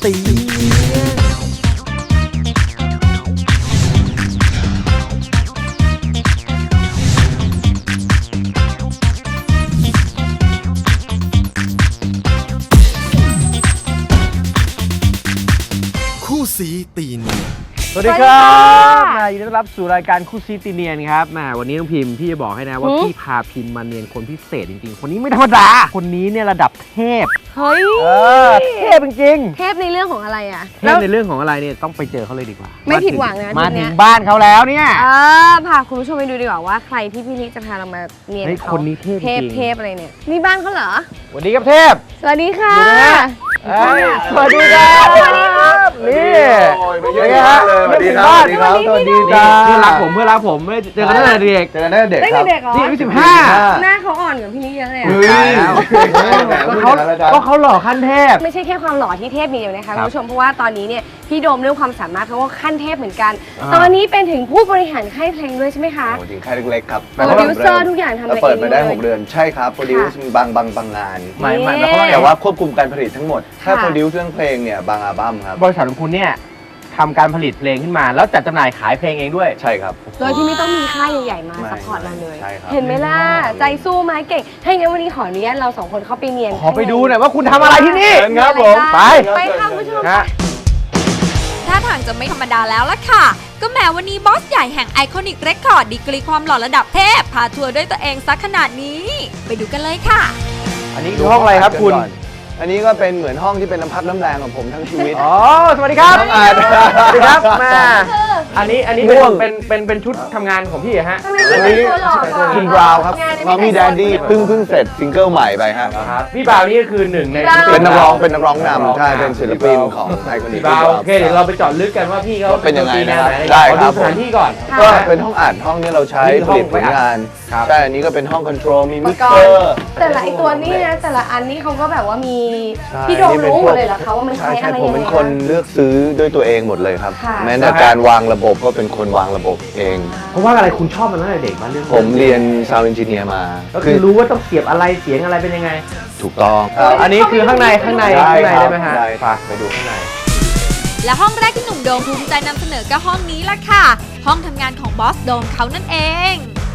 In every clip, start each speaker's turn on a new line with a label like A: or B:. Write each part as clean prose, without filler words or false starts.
A: ตีเนียนคู่สีตีเนียนสวัสดีครับยินดีต้อนรับสู่รายการคู่ซีตีเนียนครับวันนี้น้องพิมพ์พี่จะบอกให้นะว่าพี่พาพิมพ์มาเนียนคนพิเศษจริงๆคนนี้ไม่ธรรมดาคนนี้เนี่ยระดับเทพ
B: เฮ้ย
A: เทพจริง
B: เทพในเรื่องของอะไรอ่ะ
A: เทพในเรื่องของอะไรเนี่ยต้องไปเจอเขาเลยดีกว่า
B: ไม่ผิดหวังนะ
A: มาถึงบ้านเขาแล้วเนี่ย
B: พาคุณผู้ชมไปดูดีกว่าว่าใครที่พี่นิกจะพาเรามาเนียนเขา
A: คนนี้เทพจริง
B: เทพอะไรเนี่ยนี่บ้านเขาเหรอ
A: สวัสดีครับเทพ
B: สวัสดีค่ะ
A: สวัสดีครับนี่เป็นไงฮะ
C: สวัสดีครับสวัสดีครับสวัสดีครับ
A: เพื่อนรักผมไม่เจอกันตั้งแต่เด็ก
B: ตั้งแต่เด็กเหรอ
A: นี่อายุ15
B: หน้าเขาอ่อนกว่าพี่นิกเยอะเลย
A: ก็เขาหล่อขั้นเทพ
B: ไม่ใช่แค่ความหล่อที่เทพมีอยู่นะคะคุณผู้ชมเพราะว่าตอนนี้เนี่ยพี่โดมเรื่องความสามารถเขาก็ขั้นเทพเหมือนกันตอนนี้เป็นถึงผู้บริหารค่ายเพลงด้วยใช่ไหมคะ
C: จริงค่ายเล็กๆครับ
B: โปรดิวเซอร์ทุกอย่างทำเอง
C: เปิดมาได้6 เดือนใช่ครับโปรดิวซ์บางงานหมายแต่ว่าควบคุมการผลิตทั้งหมดถ้าโปรดิวซ์เรื่องเพลงเนี่ยบางอัลบั้มครับ
A: บริษัทของคุณเนี่ยทำการผลิตเพลงขึ้นมาแล้วจัดจำหน่ายขายเพลงเองด้วย
C: ใช่ครับ
B: โดยที่ไม่ต้องมีค่ายใหญ่ๆมาซัพพอร์ตเราเลยเห็นไหมล่ะใจสู้ไหมเก่งให้งั้นวันนี้ขออนุญาตเรา2คนเข้าไปเนียน
A: ขอไปดูหน่อยว่าคุณทำอะไรที่นี่
C: ครับผม
B: ไปค่ะคุณผู้ชม
D: ท่าทางจะไม่ธรรมดาแล้วล่ะค่ะก็แม้วันนี้บอสใหญ่แห่งไอคอนิกเรคคอร์ดดีกรีความหล่อระดับเทพพาทัวร์ด้วยตัวเองซักขนาดนี้ไปดูกันเลยค่ะ
A: อันนี้คือห้องอะไรครับคุณ
C: อันนี้ก็เป็นเหมือนห้องที่เป็นน้ำพักน้ำแรงของผมทั้งชีวิต
A: สวัสดีครับสวัสดีครับมาอันนี้เป็นชุดทำงานของพี่ฮะ
C: อันนี้คุณบราวน์ครับมามี่แดดดี้เพิ่งเสร็จซิงเกิลใหม่ไปฮะ
A: พี่บราวน์นี่ก็คือหนึ่งใน
C: เป็นนักร้องนำใช่เป็นศิลปินของไอคอนิก
A: บราวน์โอเคเดี๋ยวเราไปเจาะลึกกันว่าพี่เขา
C: เป็นยังไง
A: นะครับ
C: ได้
A: ครับสถานที่ก่อน
C: ก็เป็นห้องอัดห้องนี้เราใช้ผลิตผลงานใช่อันนี้ก็เป็นห้องคอนโทรลมีมิกเซอร์
B: แต่ละไอตัวนี้นะแต่ละอันนี้เขาก็แบบว่ามีพี่โดมรู้หมดเลยเหรอคะว่ามันใช้อะไร
C: ผมเป็นคนเลือกซื้อด้วยตัวเองหมดเลยครับแม้แต่การวางระบบก็เป็นคนวางระบบเอง
A: เพราะว่าอะไรคุณชอบมันตั้งแต่เด็กมาเรื่อง
C: ผมเรียน Sound Engineer มา
A: ก็คือรู้ว่าต้องเสียบอะไรเสียงอะไรเป็นยังไง
C: ถูกต้อง
A: อันนี้คือข้างในได้ไหมฮะไปดูข้างใน
D: และห้องแรกที่หนุ่มโดมภูมิใจนำเสนอก็ห้องนี้ล่ะค่ะห้องทำงานของบอสโดมเขานั่นเอง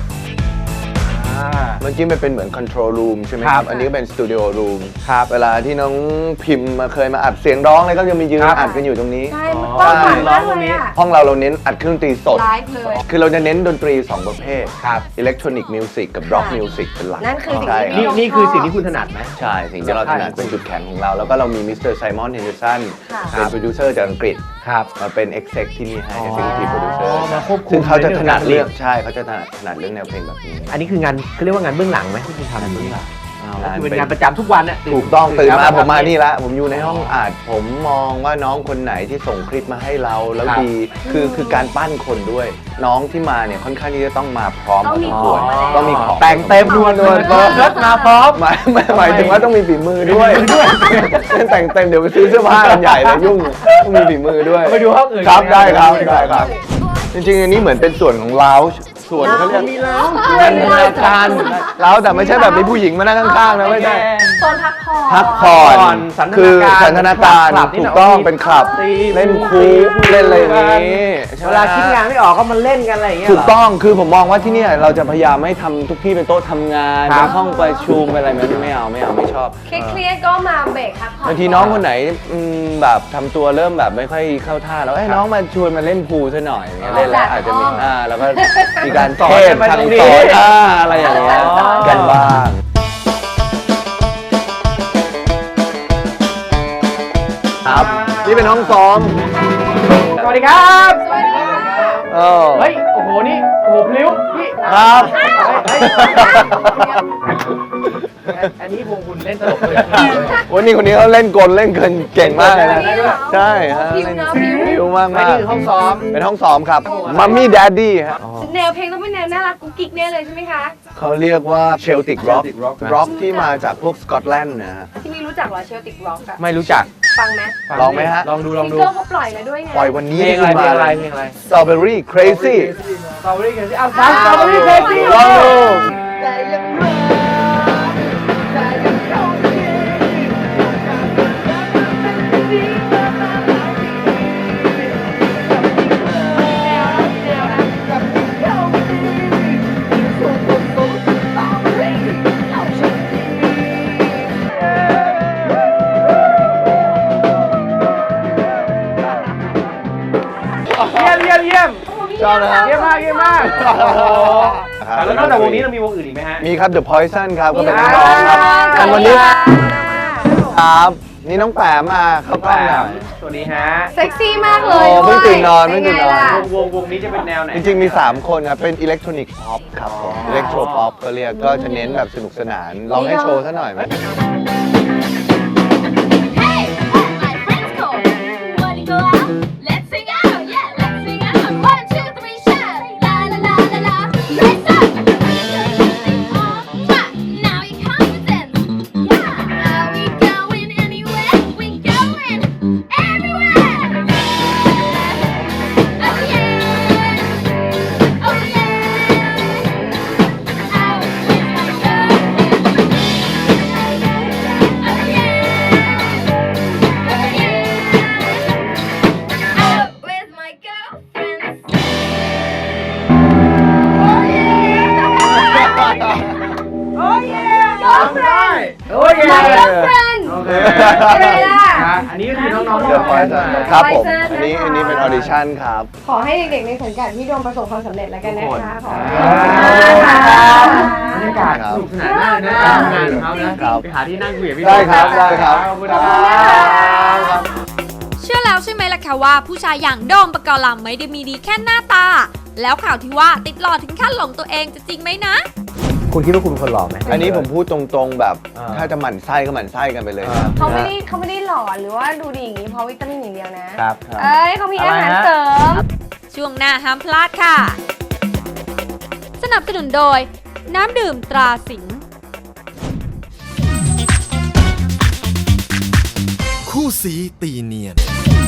C: เมื่อกี้มันเป็นเหมือน control room ใช่ไหมครับอันนี้ก็เป็น studio room เวลาที่น้องพิมพ์เคยมาอัดเสียงร้องอะไรก็จะมียืนอัดกันอยู่ตรงนี้
B: ใช่กว้างขวางมากเลยอ่ะ
C: ห้องเราเน้นอัดเครื่องดนตรีสดคือเราจะเน้นดนตรี2ประเภทอิเล็กทรอนิกส์มิวสิกกับร็อกมิวสิกเป็นหลัก
B: นั่นคือ
A: นี่คือสิ่งที่คุณถนัดไหม
C: ใช่สิ่งที่เราถนัดเป็นจุดแข็งของเราแล้วก็เรามีมิสเตอร์ไซมอนเฮนเดอร์สันเป็นโปรดิวเซอร์จากอังกฤษมาเป็นเอ็กเซคที่นี่ให้เป็นทีมโปรดิวเซอร์ซึ่งเขาจะถนัดเรื่องใช่เขาจะถนัดเรื่องแนวเพลงแบบนี้
A: อันนี้คืองานเขาเรียกว่างานเบื้องหลังไหมที่คุณทำเบื้องหลังเป็นงานประจำทุกวันเนี่ย
C: ถูกต้องตื่นมาผมมานี่ละผมอยู่ในห้องอัดผมมองว่าน้องคนไหนที่ส่งคลิปมาให้เราแล้วดีคือการปั้นคนด้วยน้องที่มาเนี่ยค่อนข้างที่จะต้องมาพร้อมพอสมควรต้องมีของ
A: แต่งเต็มนวลมาพร้อม
C: หมายถึงว่าต้องมีฝีมือด้วยแต่งเต็มเดี๋ยวไปซื้อเสื้อผ้ากันใหญ่เลยยุ่งต้องมีฝีมือด้วย
A: ไปดูห้องอื่น
C: ครับได้ครับจริงๆอันนี้เหมือนเป็นส่วนของลาวส่วนเขาเรียกเป็นรายการแล้วแต่ไม่ใช่แบบมีผู้หญิงมานั่งข้างๆนะไม่ใช่
B: โซน
C: พักผ่อนคือสันทนาการถูกต้องเป็นคลับเล่นคูเล่นอะไรอย่างนี้
A: เวลาคิดงานไม่ออกก็มาเล่นกันอะไรอย่างเงี้ย
C: ถูกต้องคือผมมองว่าที่นี่เราจะพยายามไม่ทำทุกที่เป็นโต๊ะทำงานเป็นห้องประชุมอะไรไม่เอาไม่ชอบ
B: เครียดก็มาเบรกพักผ่อน
C: บางทีน้องคนไหนแบบทำตัวเริ่มแบบไม่ค่อยเข้าท่าแล้วน้องมาชวนมาเล่นพูลซะหน่อยเล่นแล้วอาจจะมีแล้วก็มีการเทศทางสอนอะไรอย่างเงี้ยกันบ้างครับนี่เป็นห้องซ้อม
A: สวัสดีครับ
C: เฮ้
A: ยโอ้โหนี่โอ้โหพลิ้วพี่
C: ครับ
A: อันนี้วงคุณเล่นตลกเลย
C: วันนี้คนนี้เขาเล่นกลเล่นเกินเก่งมากเลยนะใช่ฮะพิวมาก
A: นี่คือห้องซ้อม
C: เป็นห้องซ้อมครับมัมมี่แดดดี้ฮะ
B: แนวเพลงต้องเป็นแนวน่ารักกุ๊กกิ๊กแน่เลยใช่ไหมคะ
C: เขาเรียกว่าเชลติกร็อกที่มาจากพวกสกอตแลนด์นะฮะ
B: ที่ไม่รู้จักเหรอเชลติกร็อกอะ
A: ไม่รู้จัก
B: ฟังไหม
C: ลองไหมฮะ
A: ลองดู
B: ซิงเกิลเขาปล่อยมาด้วยไง
C: ปล่อยวันนี้
A: เพลงอะไร
C: Strawberry Crazy
A: ฟัง Strawberry Crazy
C: ลองดูชอบนะครับ
A: เยี่ยมมากเยี่ยมมากโอ้โหแล้วนอกจากวงนี้เรามีวงอื่นอีกไหมฮะ
C: มีครับ The Poison ครับก็เป็น
B: มี
C: นักร้องครับ
B: ค่ะ
C: แต่วันนี้
B: สวัสดีค่ะ
C: ครับนี่น้องแปมมาเข้ากล้องหน่อย
A: ตัวนี้ฮะ
B: เซ็กซี่มากเลย
C: โอ้เพิ่งตื่นนอน
B: ด้วย
C: เพิ่งตื่นนอน
B: เป็ไงล่ะ
A: วงนี้จะเป็นแนวไหน
C: จริงๆมี 3 คนครับ เป็นอิเล็กทรอนิกส์พ็อปครับผมอิเล็กโทรพ็อปก็เรียกก็จะเน้นแบบสนุกสนานลองให้โชว์ซะหน่อยไหม
E: Hey, all my friends go. Wanna go out? Let's sing out, yeah, let's sing out. 1, 2, 3, shout. La la la la la. Raise up. Now you confident. Yeah. Are we going anywhere? We going everywhere. Oh yeah. Oh yeah. Out with my girlfriend. Oh yeah. Out with my girlfriends. Oh yeah.
A: ได้โอ้ย
B: My girlfriend
A: โอเค
B: เป็นไงล่ะ
A: อันนี้ก็คือน้องๆ
C: The Poison ครับผม
B: Poison
C: อันนี้
B: นะคะ
C: อันนี้เป็นออดิชั่นครับ
B: ขอให้เด็กๆในสังกัดพี่โดมประสบความสำเร็จแล้วกันนะคะขอให้
A: บรรยากาศสนุกสนานมากนะทำงานของเขานะครับ ไปหาที่นั่งคุยกับพี่
C: ได้ครับได้ครับ
A: ขอบคุณครับ
D: เชื่อแล้วใช่ไหมล่ะคะว่าผู้ชายอย่างโดมปกรณ์ลำไม่ได้มีดีแค่หน้าตา แล้วข่าวที่ว่าติดหล่อถึงขั้นหลงตัวเองจะจริงไหมนะ
A: คุณคิดว่าคุณเป็นคนหล่อไหม
C: อันนี้ผมพูดตรงๆแบบ
A: อ่า
C: ถ้าจะหมั่นไส้ก็หมั่นไส้กันไปเลยนะ
B: เขาไม่ได้หล่อหรือว่าดูดีอย่างนี้เพราะวิตามินอย่างเดียวนะ
A: ครับ
B: เอ้ยเขามีอาหารเสริม
D: ช่วงหน้าห้ามพลาดค่ะ สนับสนุนโดย น้ำดื่มตราสิงห์
F: คู่สีตีเนียน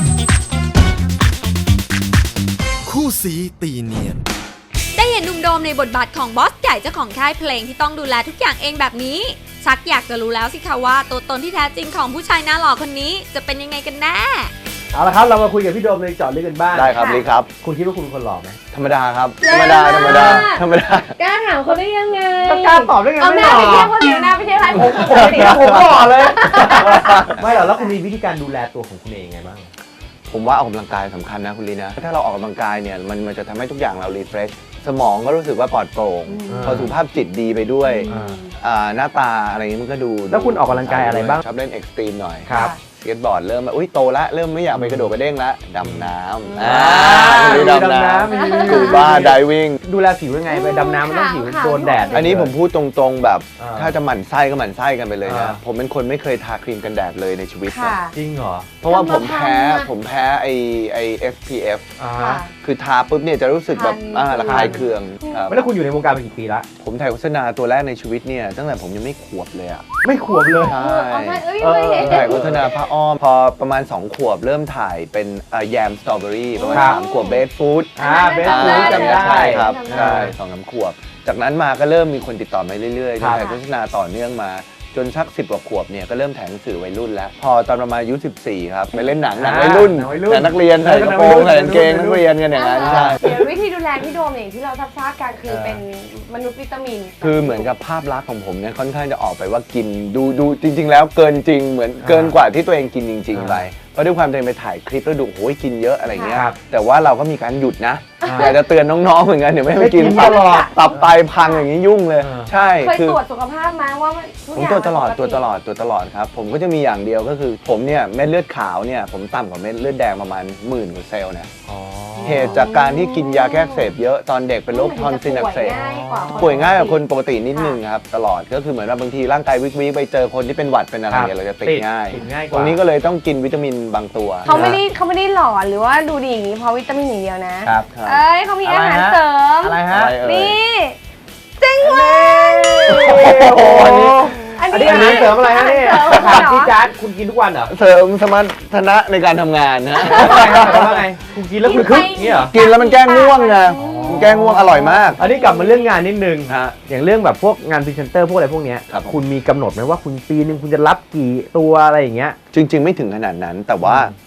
F: คู่สีตีเนียน
D: ได้เห็นหนุ่มโดมในบทบาทของบอสใหญ่เจ้าของค่ายเพลงที่ต้องดูแลทุกอย่างเองแบบนี้ ชักอยากจะรู้แล้วสิคะว่าตัวตนที่แท้จริงของผู้ชายหน้าหล่อคนนี้จะเป็นยังไงกันแน่
A: เอาละครับเรามาคุยกับพี่โดมเลยเจาะลึกกันบ้าง
C: ได้ครับลีครับ
A: คุณคิดว่าคุณเป็นคนหล่อไหม
C: ธรรมดาครับ
B: แรง
C: ธรรมดา
B: มาก
C: ธรรมดา
B: กล้าถามเขาได้ยังไง
A: ก็กล้าตอบได้ไง
B: เอา
A: ไม่
B: หน้า
A: หล่อ
B: ไปเทียบเขาเสียหน้าไปเทียบใครผม
A: ปกติแล้วผมหล่อเลย ไม่หรอกแล้วคุณมีวิธีการดูแลตัวของคุณเองไงบ้าง
C: ผมว่าออกกำลังกายสำคัญนะคุณลีนะ ถ้าเราออกกำลังกายเนี่ยมันจะทำให้ทุกอย่างเรารีเฟรชสมองก็รู้สึกว่าปลอดโปร่ง พอสุขภาพจิตดีไปด้วย หน้าตาอะไรอย่างนี้มันก็ดู
A: แล้วคุณออกกำลังกายอะไรบ้าง
C: ชอบเล่นเอ็กซ์ตรีมหน่อย
A: ครับ
C: สเก็ตบอร์ดเริ่มแบบอุ้ยโตละเริ่มไม่อยากไปกระโดดกระเด้งละดำน้ำ
A: มี
C: ดำ
A: ดำ
C: น้
A: น้ำมี
C: ำกูบ้าไดวิ่ง
A: ดูแลผิวยังไงไปดำน้ำมันต้องผิวโดนแดด
C: อันนี้ผมพูดตรงๆแบบ
A: อ่า
C: ถ้าจะหมั่นไส้ก็หมั่นไส้กันไปเลยนะ
A: อ่า
C: ผมเป็นคนไม่เคยทาครีมกันแดดเลยในชีวิต
B: ค่ะ
A: จริงเหรอ
C: เพราะว่าผมแพ้
B: ทำมาทำอะ
C: ผมแพ้ไอ SPF
A: อ่า
B: ค่ะ
C: คือทาปุ๊บเนี่ยจะรู้สึกแบบ
B: คัน
C: ระคายเคืองครับ
A: แล้วคุณอยู่ในวงการมากี่ปีละ
C: ผมถ่ายโฆษณาตัวแรกในชีวิตเนี่ยตั้งแต่ผมยังไม่ขวบเลยอ่ะ
A: ไม่ขวบเลย
C: ใช่
B: เอามาเอ้ย
A: เออ
B: ไม่เห็น
C: ถ่ายโฆษณาผ้าอ้อมพอประมาณ 2 ขวบเริ่มถ่ายเป็นแยมสตรอเบอรี่ประมาณ
A: ครับ
C: 3 ขวบเบสฟู้ด
A: เบสฟูดจำได้
C: ใช่ครับ
B: จำได้
C: ใช่2-3 ขวบ จากนั้นมาก็เริ่มมีคนติดต่อมาเรื่อยๆ
A: ครับ
C: ถ่ายโฆษณาต่อเนื่องมาจนสัก10 กว่าขวบเนี่ยก็เริ่มถ่ายหนังสือวัยรุ่นแล้ว พอตอนประมาณอายุ14 ครับไปเล่นหนังวัยรุ่น
A: หนังวัยรุ่น
C: แต่นักเรียนใส่กระโปรงใส่กางเกงนักเรียนกันอย่างนั้นใช่
B: เดี๋ยววิธีดูแลพี่โดมอย่างที่เราทราบกันคือเป็นมนุษย์วิตามิน
C: คือเหมือนกับภาพลักษณ์ของผมเนี่ยค่อนข้างจะออกไปว่ากินดูจริง ๆ แล้วเกินจริงเหมือนเกินกว่าที่ตัวเองกินจริง ๆ ไปเพราะด้วยความตัวเองไปถ่ายคลิปแล้วดูโอ้ยกินเยอะอะไรเงี้ย
A: ครับ
C: แต่ว่าเราก็มีการหยุดนะอยากจะเตือนน้องๆเหมือนกันเดี๋ยวไม่ให้กิน
A: ไม่กินตลอด
C: ตับไตพังอย่างนี้ยุ่งเลย ใช่
B: เคย
C: คือ
B: ตรวจสุขภาพมาว่ามันทุก
C: ผม
B: อย่าง
C: ตรวจตลอด
B: มัน
C: ตรวจตลอดตรวจตลอดครับผมก็จะมีอย่างเดียวก็คือผมเนี่ยเม็ดเลือดขาวเนี่ยผมต่ำกว่าเม็ดเลือดแดงประมาณ10,000 กว่าเซลล์นะ
A: อ๋อ
C: เหตุจากการที่กินยาแก้อักเสบเยอะตอนเด็กเป็นโรคทอนซิลอักเสบ
B: ป่
C: ป่วยง่ายกว่าคนปกตินิดนึงครับตลอดก็คือเหมือนว่าบางทีร่างกายวิกไปเจอคนที่เป็นหวัดเป็นอะไร
A: ครับ
C: เนี่ยเราจะติดง่าย
A: ติดง่ายก
C: ต
A: ว่า
C: รงนี้ก็เลยต้องกินวิตามินบางตัว
B: เขาไม่ได้หล่อหรือว่าดูดีอย่างนี้เพราะวิตามินอย่างเดียวนะ
C: ครับ
B: เอ้ยเขามีอาหารเสริม
A: อะไรฮะ
C: อะไรเอ่ย
B: นี่จริงเลย
A: โอ้โหอัน
B: อัน
A: นี้
B: นี้
A: อาหารเสริมอะไรฮะนี่
B: อาหารเสริม
A: ถาม
B: เหรอ
A: พี่จ๊าดคุณกินทุกวันเหรอ
C: เสริมสมรรถนะในการทำงานนะ
A: ว่าไงคุณกินแล้วคุณคึกเนี่ยเหรอ
C: กินแล้วมันแก้ง่วงไงมันแก้ง่วงอร่อยมาก
A: อันนี้กลับมาเรื่องงานนิดนึง
C: ฮะ
A: อย่างเรื่องแบบพวกงานพรีเซนเตอร์พวกอะไรพวกเนี้ย
C: ครับผม
A: คุณมีกำหนดไหมว่าคุณปีนึงคุณจะรับกี่ตัวอะไรอย่างเงี้ย
C: จริง ๆ ไม่ถึงขนาดนั้น แต่ว่า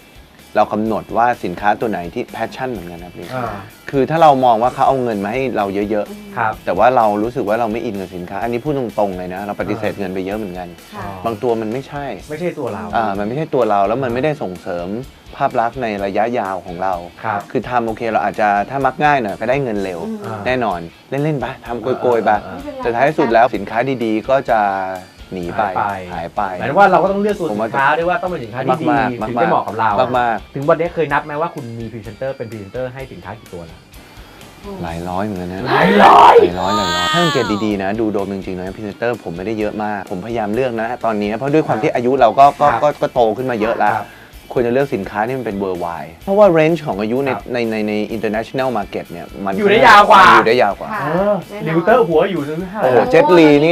C: เรากำหนดว่าสินค้าตัวไหนที่แพชชั่นเหมือนกันนะพี่
A: อ่า
C: คือถ้าเรามองว่าเขาเอาเงินมาให้เราเยอะ
A: ครับ
C: ๆแต่ว่าเรารู้สึกว่าเราไม่อินกับสินค้า อันนี้พูดตรงๆเลยนะเราปฏิเสธเงินไปเยอะเหมือนกัน
B: ค่ะ
C: บางตัวมันไม่ใช่
A: ไม่ใช่ตัวเรา
C: มันไม่ใช่ตัวเราแล้วมันไม่ได้ส่งเสริมภาพลักษณ์ในระยะยาวของเรา
A: ครับ
C: คือทำโอเคเราอาจจะถ้ามักง่ายหน่อยก็ได้เงินเร็ว แน่นอนเล่นๆไปทำโกยๆไปแต่ท้ายสุดแล้วสินค้าดีๆ ก็จะหนีไปหายไป
A: หมายถึงว่าเราก็ต้องเลือกตัว
C: ผม
A: สิ
C: ว่า
A: นค้าด้วยว่าต้องเป็นสินค้าที่ดี
C: มากๆ
A: ถึงจะเหมาะกับเรา
C: มาก
A: ถึงวันนี้เคยนับไหมว่าคุณมีพรีเซนเตอร์เป็นพรีเซนเตอร์ให้สินค้ากี่ตัวแล้ว
C: หลายร้อยเหมือนกันนะ
A: หลายร้อย
C: ถ้าสังเกตดีๆนะดูโดมจริงๆนะพรีเซนเตอร์ผมไม่ได้เยอะมากผมพยายามเลือกนะตอนนี้เพราะด้วยความที่อายุเราก็โตขึ้นมาเยอะแล้ว
A: ครับ
C: ควรจะเลือกสินค้าที่มันเป็น worldwide เพราะว่า range ของอายุใน international market เนี่ยมัน
A: อยู่ได้ยาวกว่า
C: อยู่ได้ยาวกว่า
B: ค่ะ
A: ลิวเตอร์หัวอยู่ถึงเท่าไห
C: โอ้
A: ร่
C: โหเจ็ตลีนี่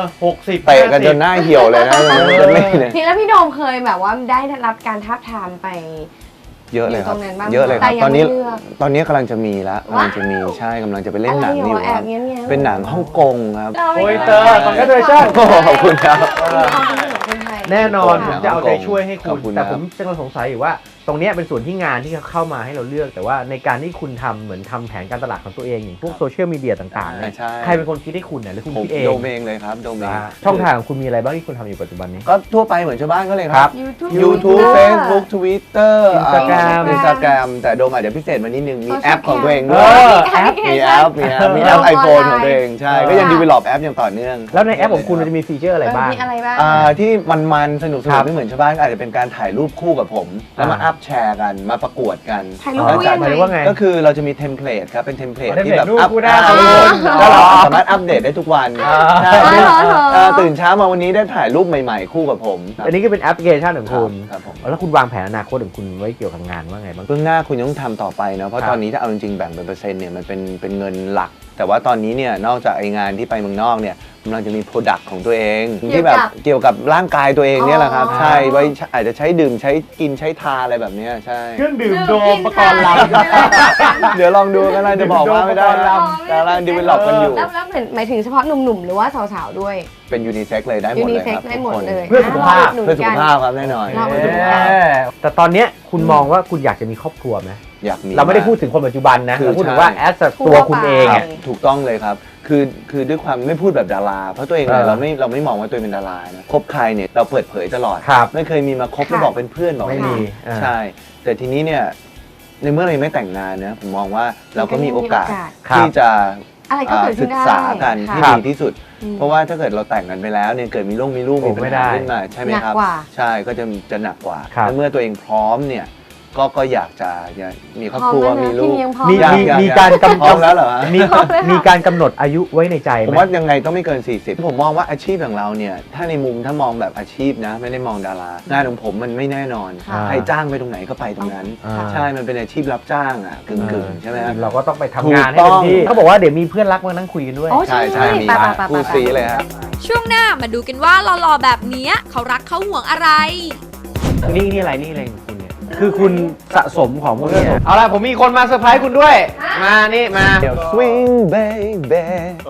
A: 60
C: เตะกันจนหน้าเหี่ยวเลยนะเจ็ตลีเนี่ย
B: พี่แล้วพี่โดมเคยแบบว่าได้รับการทาบทามไป
C: เยอะเลยครับ
B: อยู่ตรงนั้นบ้าง
C: เยอะเลยครับ
B: แต่ยัง
C: ตอนนี้
B: ไม่เลือก
C: ตอนนี้กำลังจะมีแล้วกำลังจะมีใช่กำลังจะไปเล่นหนังอยู่
B: อะไรเหรอแอบเงี้ยๆ
C: เป็นหนังฮ่องกงครับ
A: โอ้ยเตอร์ congratulations
C: โอ้ขอบคุณครับ
A: แน่นอน
C: ข
A: ผ
C: อบคุณ
A: มจะเอาใจช่วยให้
C: ขอ
A: คุ
C: บ
A: ณ
C: คุณ
A: แต่
C: นะ
A: ผมจะสงสัยอยู่ว่า ตรงเนี้ยเป็นส่วนที่งานที่เขาเข้ามาให้เราเลือก แต่ว่าในการที่คุณทำเหมือนทำแผนการตลาดของตัวเองอย่างพวกโซเชียลมีเดียต่างๆเนี่ย
C: ใช่
A: ใครเป็นคนคิดให้คุณเนี่ยหรือคุณ
C: ผม
A: คิดเอง
C: โดมเองเลยครับโดมเอง
A: ช่องทางของคุณมีอะไรบ้างที่คุณทำอยู่ปัจจุบันนี้
C: ก็ทั่วไปเหมือนชาวบ้านก็เลยค
A: ครั
C: รับ
A: บ
C: YouTube Facebook Twitter
A: Instagram
C: แต่โดมอาจจะพิเศษมานิดนึง มีแอป
B: Social
C: ของตัวเอง
A: เอ
C: ด้วย
A: อ
B: แอป
C: มีแอปมีแอป iPhone ของตัวเองใช่ ก็ยัง develop แอปอย่างต่อเนื่อง
A: แล้วในแอปของคุณมันจะมีฟีเจอร์อะไรบ้าง
B: มีอะไรบ้าง
C: ที่มันสนุก
A: ครับ
C: ไม่เหมือนชาวบ้านก็อาจจะเป็นการถ่ายรูปคู่กับผม แล้วมาอัพแชร์กันมาประกวดกัน
B: ถ่ายรูป
C: แล้ว
B: คู่
C: จั
B: ยั
C: ด
B: ง
A: หมาย
B: ไง
A: ถึงว่าไง
C: ก็คือเราจะมีเทมเพลตครับเป็นเทมเพลต
A: อ๋อ
C: ที่แบบ
A: เทมเพลตรูป
C: อัพ
A: คู่ได้
C: แล้วเราสามารถอัปเดตได้ทุกวันใช่
B: อ๋อ
C: ตื่นเช้ามาวันนี้ได้ถ่ายรูปใหม่ๆ คู่กับผม
A: อันนี้ก็เป็นแอปพลิเคชันของคุณ
C: ครับผม
A: แล้วคุณวางแผนอนาคตของคุณไว้เกี่ยวกับงานว่าไงบ้าง
C: เบื้องหน้าคุณต้องทำต่อไปเนาะเพ
A: ครั
C: ราะ
A: บ
C: ตอนนี้ถ้าเอาจริงๆแบ่งเป็นเปอร์เซ็นต์เนี่ยมันเป็นเงินหลัก แต่ว่าตอนนี้เนี่ยนอกจากไองานที่ไปเมืองนอกเนี่ยกำลังจะมีโปรดักต์ของตัวเองที่แบบเกี่ยวกับร่างกายตัวเองเนี่ยแหละครับ
B: อ๋อ
C: ใช่ไว้อาจจะใช้ดื่มใช้กินใช้ทาอะไรแบบเนี้ยใช่
A: เครื่องดื่ม
B: ดื่ม
A: โดมประกอบลำ
C: เดี๋ยวลองดูกันนะจะบอกว่าไม่ได้นะแต่กำลังดีเวลลอปกันอยู่
B: แล้วหมายถึงเฉพาะหนุ่มๆ หรือว่าสาวๆ ด้วย
C: เป็นยูนิเซ็กเลยได้หม
B: ยู
C: ด
B: นิ
C: เลย
B: เซ็
C: ค
B: ก
C: รับ
B: ได้หมดเลย
A: เพื่อสุขภาพ
C: เพื่อสุขภาพครับแน่นอน
B: เรา
A: แต่ตอนเนี้ยคุณมองว่าคุณอยากจะมีครอบครัวไหม
C: อยากมี
A: เราไม่ได้พูดถึงคนปัจจุบันนะ
C: คือ
A: เราพูดถึงว่า
C: ใช่
A: แอสตัวคุณเอง
C: ครั
A: อ่ะ
C: บถูกต้องเลยครับ คือด้วยความไม่พูดแบบดารา เพราะตัวเองเนี่ย
A: เออ
C: เราไม่มองว่าตัวเองเป็นดารานะคบใครเนี่ยเราเปิดเผยตลอด
A: ครับ
C: ไม่เคยมีมาคบแล้วบอกเป็นเพื่อนบอก
A: ไม่มี
C: ใช่ แต่ทีนี้เนี่ยในเมื่อเรายังไม่แต่งงานนะผมมองว่าเราก็มีโอกาส
A: ครับ
C: ที่จะ
B: อะไรก็เกิดขึ้
C: ศึ
B: น
C: ก
B: ได้
C: ษากันที่
A: ครับ
C: ดีที่สุด เพราะว่าถ้าเกิดเราแต่งกันไปแล้วเนี่ยเกิดมีลูกมี
A: โอ้
C: ปัญ
A: ไม่ได้
C: หาขึ้นมาใช่ไหมครับ
B: หนักกว่า
C: ใช่ก็จะหนักกว่า
A: ครับ
C: และเมื่อตัวเองพร้อมเนี่ยก็อยากจะมีครอบครัว
B: พร้อมแล้วนะ
C: มีลูก
B: พี่ยังพร้อม
A: มี
C: ยัง
A: มีการกำ
C: พร้อมแล้วเหรอฮะ
A: มีการกำหนดอายุไว้ในใจ
C: ผม
A: ไหม
C: ว่ายังไงต้องไม่เกิน 40 ผมมองว่าอาชีพของเราเนี่ยถ้าในมุมถ้ามองแบบอาชีพนะ ไม่ได้มองดารางานของผมมันไม่แน่นอน
B: ค่ะ
C: ใครจ้างไปตรงไหนก็ไปตรงนั้น
A: อ่า
C: ใช่มันเป็นอาชีพรับจ้างอ่ะกึ่งๆใช่ไหมฮะ
A: เราก็ต้องไปทำงานให้
C: ถูกต้
A: เต็
C: อง
A: มที่เขาบอกว่าเดี๋ยวมีเพื่อนรักมานั่งคุยกันด้วย
B: โอ้ใช่
C: ใช่มี
B: ไป
C: คู่ซีเลยฮะ
D: ช่วงหน้ามาดูกันว่าหล่อๆแบบเนี้ยเขารักเขาห่วงอะไร
A: นี่อะไรของคุณเนี่ยคือคุณสะสมของพวกนี้เอาล่ะผมมีคนมาเซอร์ไพรส์คุณด้วย มานี่มา
C: Swing baby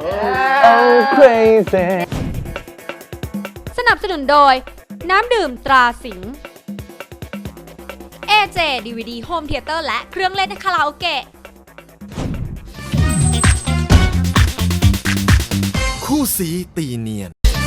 C: oh crazy
D: สนับสนุนโดย น้ำดื่มตราสิงห์ AJ DVD Home Theater และเครื่องเล่นคาราโอเกะ
F: คู่สีตีเนียน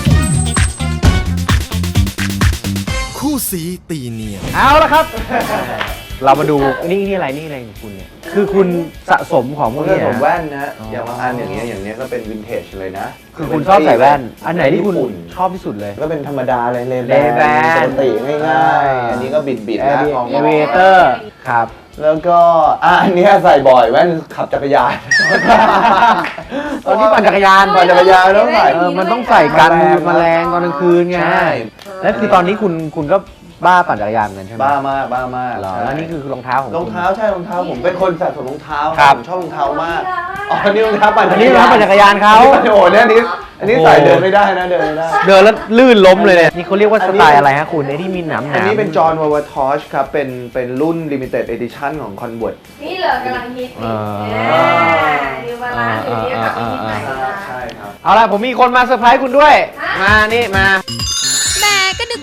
F: คู่สีตีเนียน
A: เอาละครับ เรามาดูนี่อะไรของคุณเนี่ยคือคุณสะสมของพวก
C: เพื่อ
A: นี้
C: ผมแว่นนะอย่างบางอันอย่างเงี้ยก็เป็นวินเทจเลยนะ
A: คือคุณชอบใส่แว่น อันไหนที่คุณชอบที่สุดเลย
C: ก็เป็นธรรมดาเลยเลแบ
A: Ray-Ban
C: ปกติง่ายๆ อันนี้ก็บิดๆนะมอง
A: เอเวเตอร์ครับ
C: แล้วก็อันเนี้ยใส่บ่อยแว่นขับจักรยาน
A: ตอนที่ปั่นจักรยาน
C: ปั่นจักรยานต้องใส่
A: มันต้องใส่กันแมลงตอนกลางคืนไง
C: ใช่
A: แล้วคือตอนนี้คุณก็บ้าปั่นจักรยานเหมือนกันใช่ไหม
C: บ้ามาก
A: เหรอ
C: ใช่
A: แล้วนี่คือรองเท้าของ
C: รองเท้าใช่รองเท้าผมเป็นคนสะสมรองเท้า
A: ครับ
C: ผมชอบรองเท้ามากอ๋อนี่รองเท้าปั่น
A: อันนี้รองเท้าปั่นจักรยานเขา
C: โอ้โหเนี่ยอันนี้ใส่เดินไม่ได้นะเดินไม่ได้
A: เดินแล้วลื่นล้มเลยเนี่ยนี่เขาเรียกว่าสไตล์อะไรฮะคุณไอ้ที่มีหนาม
C: อันนี้เป็นจอห์นวาวาทอชครับเป็นรุ่น limited edition ของ Converse
B: นี่เลยกำลังฮิตนิวบาลานซ์อยู่เนี่ยกับฮิตใหม่นะ
C: ใช่ครับ
A: เอาล่ะผมมีคนมาเซอร์ไพรส์คุณด้วย มานี่มา
D: แม่ก็นึก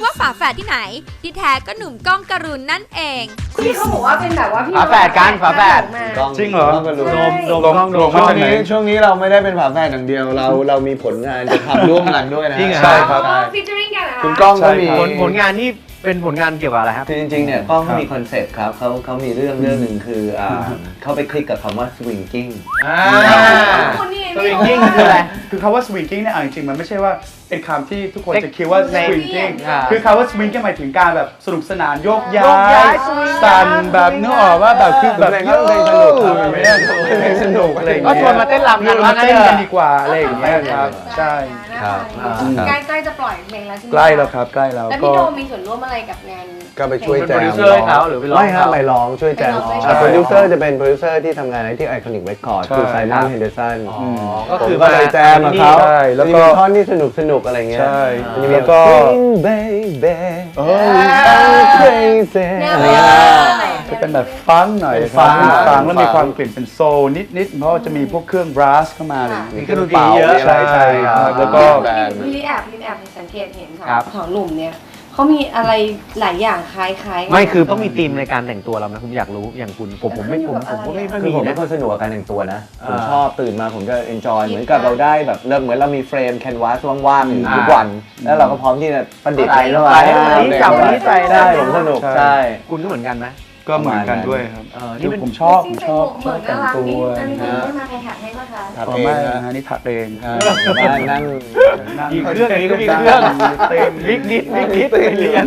D: ว่าฝาแฝดที่ไหน ที่แท้ก็หนุ่มก้องกรุณนั่นเอง
B: ที่เขาบอกว่าเป็นแบบว่าพี่
A: ฝาแฝดกันฝาแฝด
B: มา
C: กล้อง
G: จริงเหรอ
C: ก็รู้
B: ใช่
A: โดมกล้องโดม
G: มาจากไหน
C: ช่วงนี้เราไม่ได้เป็นฝาแฝดอย่างเดียวเรามีผลงานจะทำร่วมกันด้วยนะ
A: จริงเหรอ
G: ใช่ครับ
B: ฟิชเจอริ่งกันเหรอคะ
C: คุณก้องก็มี
A: ผลงานนี่เป็นผลงานเกี่ยวกับอะไรครับ
C: คือจริงๆเนี่ยกล้องเขามีคอนเซ็ปต์ครับเขามีเรื่องหนึ่งคือเขาไปคลิกกับคำว่า swinging
B: คนนี้
A: สวิงกิ้งคืออะไร
G: คือคำว่า swinging เนี่ยเอาจริงๆมันไม่ใช่ว่าเป็นคำที่ทุกคนจะคิดว่า
A: ใน
G: swinging
A: อ่า
G: คือคำว่า swinging หมายถึงการแบบสนุกสนานโยกย้
A: โยกย้า
G: าย ย
A: swing
G: สั่นแบบนึกออกว่าแบบคือแบบ
C: เพลงก็เพลงสนุกครับเพลงสนุกอะไรอย่าง
A: ก็
C: เงี้ย
A: ชวนมาเต้นรำกัน
G: มา
A: ว่างั้น
G: เต้น
A: เถ
G: กัน
A: อะ
G: ดีกว่าอะไรอย่างเงี้ยครับใช่
C: ครับ
B: ใกล้จะปล่อยเพลงแล้วใช่ไหม
G: ใกล้แล้วครับใกล้แล้ว
B: แล้ว
G: ก็
B: พี่โดมมีส่วนร่วมอะไรกับงาน
C: ก็ไปช่วยแจ
A: เป็น
C: ม
A: โปรดิวเซอร์ให้เขาหรือไปร้อง
C: ไม่ครับ
A: เขา
C: ไปร้องช่วยแจม
B: ไปร้อง
C: โปรดิวเซอร์จะเป็นโปรดิวเซอร์ที่ทำงานที่ไอคอนิกเรคคอร์ดคือไซมอนเฮนเดอร์สัน
A: ก็คือ
C: ก็เลยแจมกับเขา
G: ใช่แล้วก็
C: มีท่อนที่สนุกอะไรเงี้ย
G: ใช่
C: มันจะมี
G: แล้วก็
C: Swing baby
G: โอ้
C: I'm crazy
B: แนว
C: อะไร
B: ว่า
C: เงี้ย
G: จะเป็นแบบฟังก์หน่อย
C: เป็น
G: ครั
C: ฟังก์
G: ฟังก์แล้วมีความกลิ่นเป็นโซลนิดๆเพราะว่าจะมีพวกเครื่องบรัสเข้ามาเลย
C: มีเครื่องดนตรีเยอะ
G: ใช่ใช่ครับแล้วก็
C: แบนด์
B: พี่แอบสังเกตเห็น
A: ครับ
B: ของหนุ่มเนี่ยเขามีอะไรหลายอย่างคล้ายๆกัน
A: ไม่คือต้องมีธีมในการแต่งตัวเรานะผมอยากรู้อย่างคุณผมไม่ผมก็ไม่
C: คือ
A: มี
C: ผม
A: นะ
C: เป็นคนสนุกกับการแต่งตัวนะ ผม
A: อ่า
C: ชอบตื่นมาผมจะ enjoy เหมือนกับเราได้แบบเหมือนเรามีเฟรมแคนวาสว่างๆอยู่ทุกวัน แล้วเราก็พร้อมที่จะประดิษฐ์อะไรเข้ามา
A: อันนี้จับอันนี้ใส่ได้
C: ใช่ผมสนุก
G: ใช่
C: ใช่
A: คุณก็เหมือนกันไหม
G: ก็เหมือนกันด้วยครับ
A: นี่เป็น
G: ผมชอบ
B: จริงๆ
G: ชอบ
B: เหมือน
G: แต่
B: น่าง รัก
G: ตั
B: นี่
G: ว
B: อันนี้ได้มาใครถักให้ป่ะคะ
C: ถัก
G: อ๋อ
C: เอง
G: ไม่
C: นะ
G: นะนี่ถักเอง
C: บ้านนั่ง
A: มีเครื่องอย่างนี้ก็มีเครื่องเต็มบิ๊กนิดไปเรียน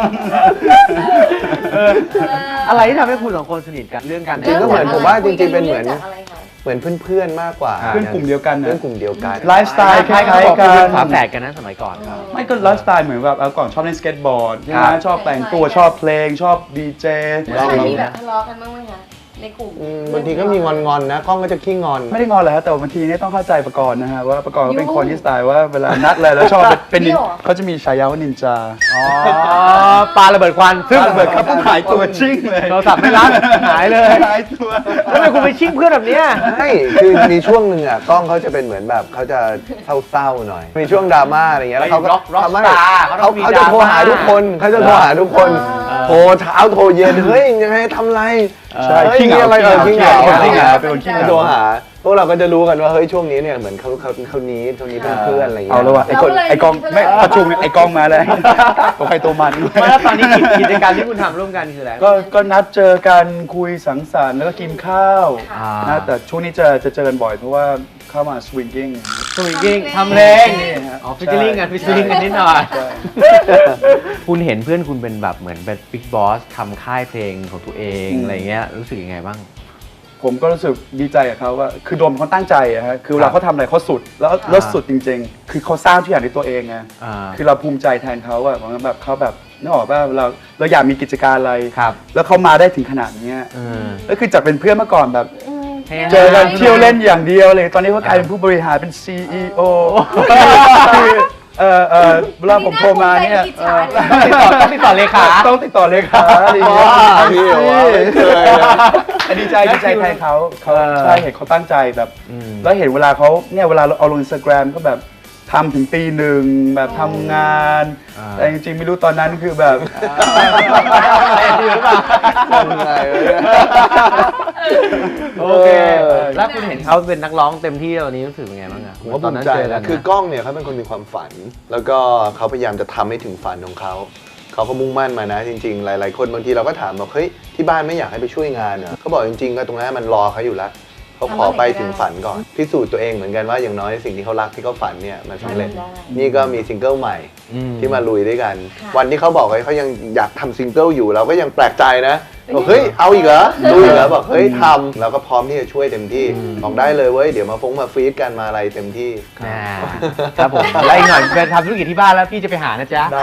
A: อะไรที่ทำให้คุณสองคนสนิทกันเรื่องการ
C: จริงก็เหมือนผมว่าจริงๆเป็นเหมือน
B: จากอะไรคะ
C: เหมือนเพื่อนๆมากกว่า
G: เพื่อนกลุ่มเดียวกันนะ
C: เพื่อนกลุ่มเดียวกัน
G: ไลฟ์สไตล์คล้าย
A: เขาบอก
G: ๆกั
A: คุณเป็น
G: น
A: ฝาแฝดกันนะสมัยก่อนครับ
G: ไม่ก็ไลฟ์สไตล์เหมือนแบบก่อนชอบเล่นสเก็ตบอร์ดใช่ไหม
A: ครับ
G: ชอบแต่งตัวชอบเพลงชอบดีเจ
B: เคยมีแบบทะเลาะกันบ้างไหมคะในกลุ่ม
C: บางทีก็มีงอนๆนะกล้องก็จะขี้งอน
G: ไม่ได้งอนเลยฮะแต่บางทีเนี่ยต้องเข้าใจประกรณ์นะฮะว่าประกรณ์เขาเป็นคนที่สไตล์ว่าเวลานัดอะไรแล้วชอบเป็น
B: พี่หรอ
G: เขาจะมีฉายาว่านินจา
A: อ๋อปลาระเบิดควันซึ่ง
G: ระเบิดครับหายตัวชิ่งเลย
A: โทรศัพท์ไม่รับหายเลย
G: หายตัว
A: แล้วทำไมคุณไปชิ่งเพื่อนแบบเนี้ย
C: ใช่คือมีช่วงหนึ่งอ่ะกล้องเขาจะเป็นเหมือนแบบเขาจะเศร้าๆหน่อย มีช่วงดราม่าอะไรเงี้ยแล้วเขาก็
A: ร็อก
C: ทำให้
A: สตาร์เขาต้องมี
C: เขาจะโทรหา
A: ดราม่า
C: ทุกคนเขาจะโทรหาทุกคนโทรเช้าโทรเย็นเฮ้ยยังไงทำไร
G: ใช่
C: เฮ้ย
G: ขี้เหงา
C: มีอะไรขี้เหงา
G: ขี้เหงาเป็นคนขี้เหงา
C: โทรหาพวกเราก็จะรู้กันว่าเฮ้ยช่วงนี้เนี่ยเหมือนเขานี้เป็นเพื่อนอะไรเงี้ย
G: เอาแล้วว่ะไอ้กองไม่ประชุมเนี่ยไอ้กองมาเลยตัวใครตัวมัน
A: ไม่แล้วตอนนี้กิจกรรมที่คุณทำร่วมกันคืออะไร
G: ก็นัดเจอกันคุยสังสรรค์แล้วก็กินข้าว
A: อ่า
G: นะแต่ช่วงนี้จะเจอกันบ่อยเพราะว่าเข้ามาสวิงกิ้ง
A: สวิงกิ้งทำเพลง
G: นี่ฮะ
A: อ๋อฟิชเชอร์ลิงกันฟิชเชอร์ลิงกันนิดหน่อย
G: ใช่
A: คุณเห็นเพื่อนคุณเป็นแบบเหมือนเป็นบิ๊กบอสทำค่ายเพลงของตัวเอง
G: อืม
A: อะไรเงี้ยรู้สึกยังไงบ้าง
G: ผมก็รู้สึกดีใจกับเขาว่าคือโดมเขาตั้งใจอะฮะคือเวลาเขาทำอะไรเขาสุดแล้วสุดจริง ๆ คือเขาสร้างทุกอย่างด้วยตัวเองไง
A: อ่า
G: คือเราภูมิใจแทนเขาอะเหมือนแบบเขาแบบนึกออกว่าเราอยากมีกิจการอะไร
A: ครับ
G: แล้วเขามาได้ถึงขนาดเนี้ย
A: เออ
G: แล้วคือจากเป็นเพื่อนเมื่อก่อนแบบ
A: เจ
G: เจอกันเที่ยวเล่นอย่างเดียวเลย ตอนนี้เขากลายเป็นผู้บริหารเป็น CEO คือเวลาผมโทรมาเนี่ย
A: ต้องติดต่อเลขา
G: ต้องติดต่อเลขาอะไรอย่างเงี้ย
C: พี่เหรอวะไม่เคยนะ
G: ดีใจแทนเขาใช่เห็นเขาตั้งใจแบบ
A: อืม
G: แล้วเห็นเวลาเขาเนี่ยเวลาเราเอาลง Instagram ก็แบบทำถึงตีหนึ่งแบบทำงาน แต่จริงๆไม่รู้ตอนนั้นคือแบบ
C: ทำไงวะเนี่ย
A: โอเค แล้วคุณเห็นเขาเป็นนักร้องเต็มที่ตอนนี้รู้สึกยังไงบ้างอะ
C: ผมก็ภูมิใจนะคือกล้องเนี่ยเขาเป็นคนมีความฝัน แล้วก็เขาพยายามจะทำให้ถึงฝันของเขาเขาก็มุ่งมั่นมานะจริงๆ หลายๆคนบางทีเราก็ถามบอกเฮ้ยที่บ้านไม่อยากให้ไปช่วยงานเหรอเขาบอกจริงๆก็ตรงนั้นมันรอเขาอยู่แล้วเขาขอไปถึงฝันก่อนพิสูจน์ตัวเองเหมือนกันว่าอย่างน้อยสิ่งที่เขารักที่เขาฝันเนี่ยมันสำเร็จ นี่ก็มีซิงเกิลใหม่ที่มาลุยด้วยกัน วันที่เขาบอกว่าเขายังอยากทำซิงเกิลอยู่เราก็ยังแปลกใจนะบอกเฮ้ยเอาอีกเหรอลุยเหรอบอกเฮ้ยทำเราก็พร้อมที่จะช่วยเต็มที่บอกได้เลยเว้ยเดี๋ยวมาฟีดกันมาอะไรเต็มที่
A: ครับผมแล้วอีกหน่อยไปทำธุรกิจที่บ้านแล้วพี่จะไปหานะจ๊ะ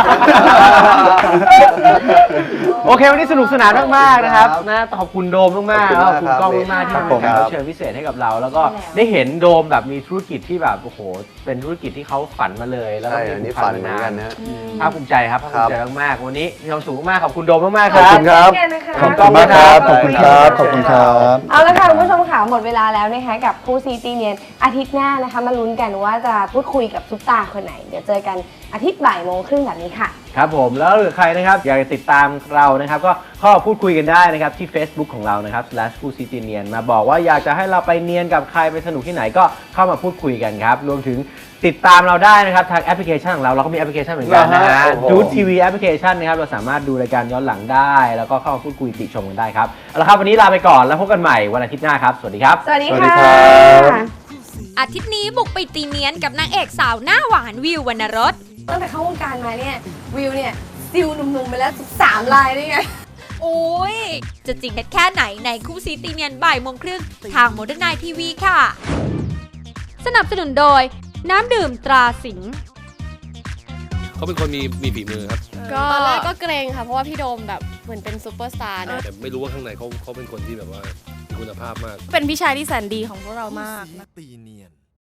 A: โอเค วันนี้สนุกสนานมากๆนะครับนะขอบคุณโดมมากๆแล้วขอบคุณกล้องมากๆที่มาแขกรับเชิญพิเศษให้กับเรา แล้วก็ได้เห็นโดมแบบมีธุรกิจที่แบบโอ้โหเป็นธุรกิจที่เขาฝันมาเลยแล้วก็
C: ใช่อันนี้ฝันเหมือนกันนะ
A: ภาคภูมิใจครับภาคภูมิใจมากๆวันนี้มีความสุขมากๆขอบคุณโดมมากๆค
C: ขอบ
A: รับ
C: คุณครับ
G: ขอบคุณมากครับ ขอบคุณครับ ขอบคุณครับ
B: เอาละค่ะคุณผู้ชมค่ะหมดเวลาแล้วนะคะกับคู่ซีตีเนียนอาทิตย์หน้านะคะมาลุ้นกันว่าจะพูดคุยกับซุปตาคนไหน เดี๋ยวเจอกันอาทิตย์บ่ายโมงครึ่งแบบนี้ค่ะ
A: ครับผมแล้วหรือใครนะครับอยากจะติดตามเรานะครับก็เข้ามาพูดคุยกันได้นะครับที่ Facebook ของเรานะครับ คู่ซีตีเนียนมาบอกว่าอยากจะให้เราไปเนียนกับใครไปสนุกที่ไหนก็เข้ามาพูดคุยกันครับรวมถึงติดตามเราได้นะครับทางแอปพลิเคชันของเราก็มีแอปพลิเคชันเหมือนกันนะฮะ
C: โอ้โห
A: ดูทีวีแอปพลิเคชันนะครับเราสามารถดูรายการย้อนหลังได้ แล้วก็เข้ามาพูดคุยติชมกันได้ครับเอาละครับวันนี้ลาไปก่อนแล้วพบกันใหม่วันอาทิตย์หน้าครับสวัสดีครับ
B: สวัสดี
C: สวัสดี
B: ค่ะ
C: ครับ
D: อาทิตย์นี้บุกไปตีเนียนกับนางเอกสาวหน้าหวานวิววรรณรส
B: ตั้งแต่เข้าวงการมาเนี่ยวิวเนี่ยซิลหนุ่มๆไปแล้ว3 ลายด้วยไง
D: โอ้ย จะจริงแค่ไหนในคู่ซีตีเนียนบ่ายโมงครึ่งทางโมเดิร์นไนทีวีค่ะ สนับสนุนโดยน้ำดื่มตราสิงห์
H: เขาเป็นคนมีฝีมือครับ
I: ก็ตอนแรกก็เกรงค่ะ เพราะว่าพี่โดมแบบเหมือนเป็นซูเปอร์สตาร์เนอะ
H: แต่ไม่รู้ว่าข้างในเขาเป็นคนที่แบบว่ามีคุณภาพมาก
I: เป็นพี่ชายที่แสนดีของพวกเรามาก
F: ตีเนียน